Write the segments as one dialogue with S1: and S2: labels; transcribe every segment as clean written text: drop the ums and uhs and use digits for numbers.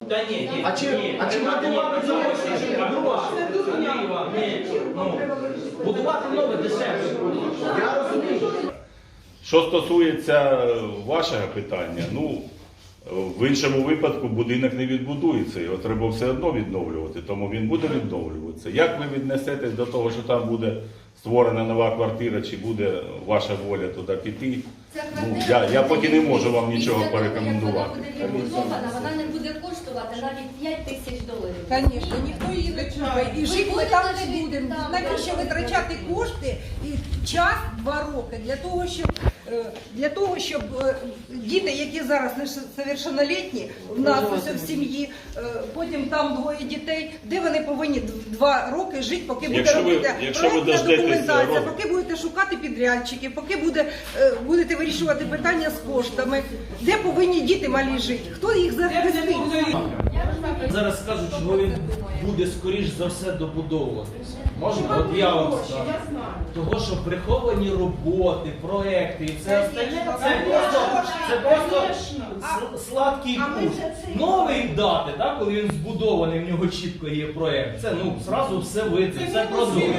S1: Та ні,
S2: А чи будувати
S1: будувати нове дешевше.
S2: Я розумію.
S3: Що стосується вашого питання, ну, в іншому випадку будинок не відбудується, його треба все одно відновлювати, тому він буде відновлюватися. Як ви віднесетесь до того, що там буде створена нова квартира, чи буде ваша воля туди піти? Ну, я поки не можу вам нічого порекомендувати.
S4: Вона буде відбудована, вона не буде коштувати навіть $5000.
S5: Звісно, ніхто її не купить. І жити ми там не будемо. Навіщо витрачати кошти і час 2 роки для того, щоб діти, які зараз несовершеннолітні, в нас ось в сім'ї, потім там 2 дітей, де вони повинні 2 роки жити, поки буде робити проєктна документація, поки будете шукати підрядчиків, поки будете вирішувати питання з коштами, де повинні діти малі жити, хто їх захистить.
S1: Зараз скажуть, що він буде скоріш за все добудовуватися. Можна? От я вам скажу. Того, що приховані роботи, проекти і все остальне, це просто сладкий курс. Новий дати, так, коли він збудований, в нього чітко є проект. Це, ну, зразу все видно, все прозоро.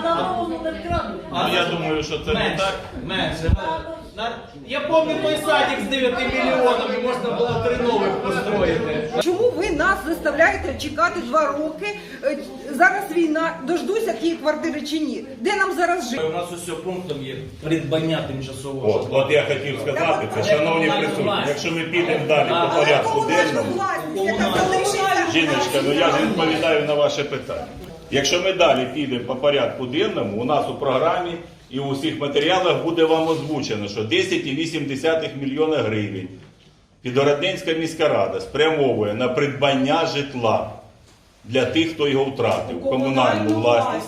S3: Я думаю, що це не так.
S1: Менше. Я пам'ятаю той садик з 9 мільйонами, можна було 3 нових построїти.
S5: Чому ви нас заставляєте чекати 2 роки? Зараз війна, дождуся тієї квартири чи ні? Де нам зараз жити?
S1: У нас усього пунктом є придбання тимчасового.
S3: От я хотів сказати, це, шановні присутні, якщо ми підемо далі по порядку денному, жіночка, ну я ж відповідаю на ваше питання. Якщо ми далі підемо по порядку денному, у нас у програмі і у всіх матеріалах буде вам озвучено, що 10,8 мільйона гривень Підгородненська міська рада спрямовує на придбання житла для тих, хто його втратив, комунальну власність.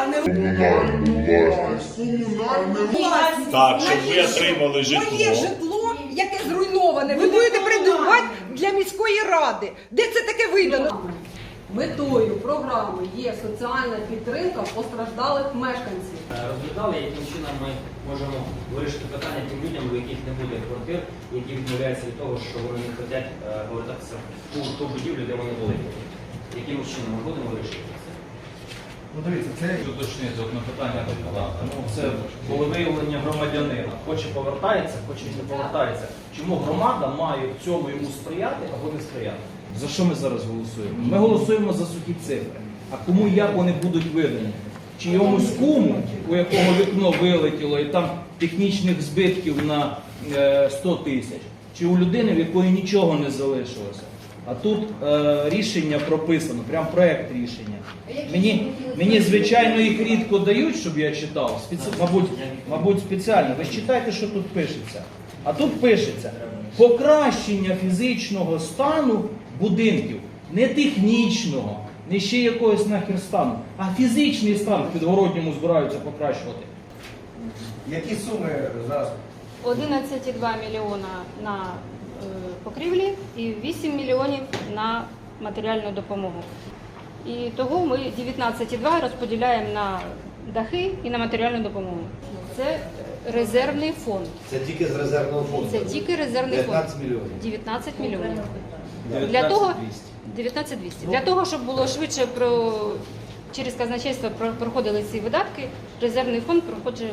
S3: Так, щоб ви отримали житло.
S5: Моє житло, яке зруйноване, ви будете придбати для міської ради. Де це таке видано?
S6: Метою програми є соціальна підтримка постраждалих мешканців.
S7: Розглядали, яким чином ми можемо вирішити питання тим людям, у яких не буде квартир, які відмовляються від того, що вони не хочуть повертатися в ту будівлю, де вони були. Яким чином ми будемо вирішити це?
S2: Ну дивіться, це
S1: Уточнити одне питання до Палата. Ну, це волевиявлення громадянина. Хоче повертається, хоче не повертається. Чому громада має в цьому йому сприяти або не сприяти? За що ми зараз голосуємо? Ми голосуємо за сухі цифри. А кому як вони будуть видані? Чи йомусь куму, у якого вікно вилетіло і там технічних збитків на 100 тисяч? Чи у людини, в якої нічого не залишилося? А тут рішення прописано, прям проект рішення. Мені, звичайно, їх рідко дають, щоб я читав. Мабуть, спеціально. Ви ж читайте, що тут пишеться. А тут пишеться покращення фізичного стану будинків. Не технічного, не ще якогось нахер стану, а фізичний стан в Підгородньому збираються покращувати.
S2: які суми зараз?
S4: 11,2 мільйона на покрівлі і 8 мільйонів на матеріальну допомогу. І того ми 19,2 розподіляємо на дахи і на матеріальну допомогу. Це резервний фонд.
S8: Це тільки з резервного фонду?
S4: Це тільки резервний фонд.
S8: 19 мільйонів?
S4: 19 мільйонів. Для того, 19,200. Для того, щоб було швидше через казначейство проходили ці видатки, резервний фонд проходить.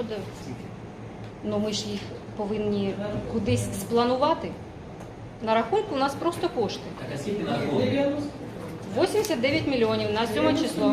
S4: Ну ми ж їх повинні кудись спланувати. На рахунку у нас просто кошти.
S7: А скільки на рахунку?
S4: 89 мільйонів на 7 число.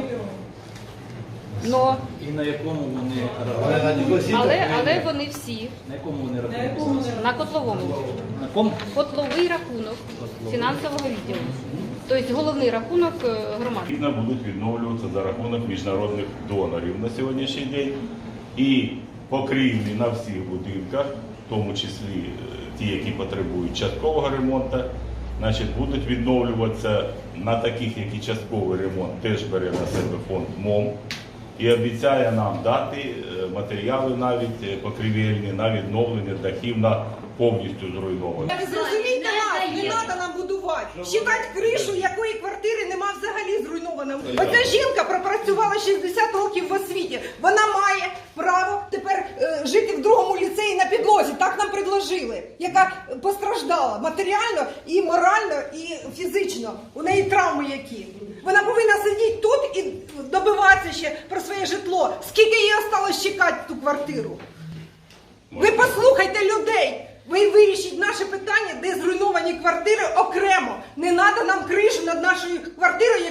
S4: Но,
S1: І на якому вони
S4: але вони всі
S1: На якому вони рахуються?
S4: на котловому.
S1: На кому?
S4: Котловий рахунок фінансового відділу. Тобто головний рахунок громади.
S3: Відповідно, будуть відновлюватися за рахунок міжнародних донорів на сьогоднішній день. І покрівлі на всіх будинках, в тому числі ті, які потребують часткового ремонту, значить, будуть відновлюватися на таких, які частковий ремонт теж бере на себе фонд МОМ і обіцяє нам дати матеріали навіть покрівельні на відновлення дахів на повністю зруйновані.
S5: Ви зрозумійте нас, не треба нам будувати. Считати кришу, якої квартири нема взагалі зруйнована. Оця жінка пропрацювала 60 років в освіті. Вона має право тепер жити в другому ліцеї на підлозі. Так нам предложили. Яка постраждала матеріально і морально, і фізично. психологічно, у неї травми які. Вона повинна сидіти тут і добиватися ще про своє житло. Скільки їй осталось чекати ту квартиру? Ви послухайте людей. Ви вирішіть наше питання, де зруйновані квартири окремо. Не треба нам кришу над нашою квартирою,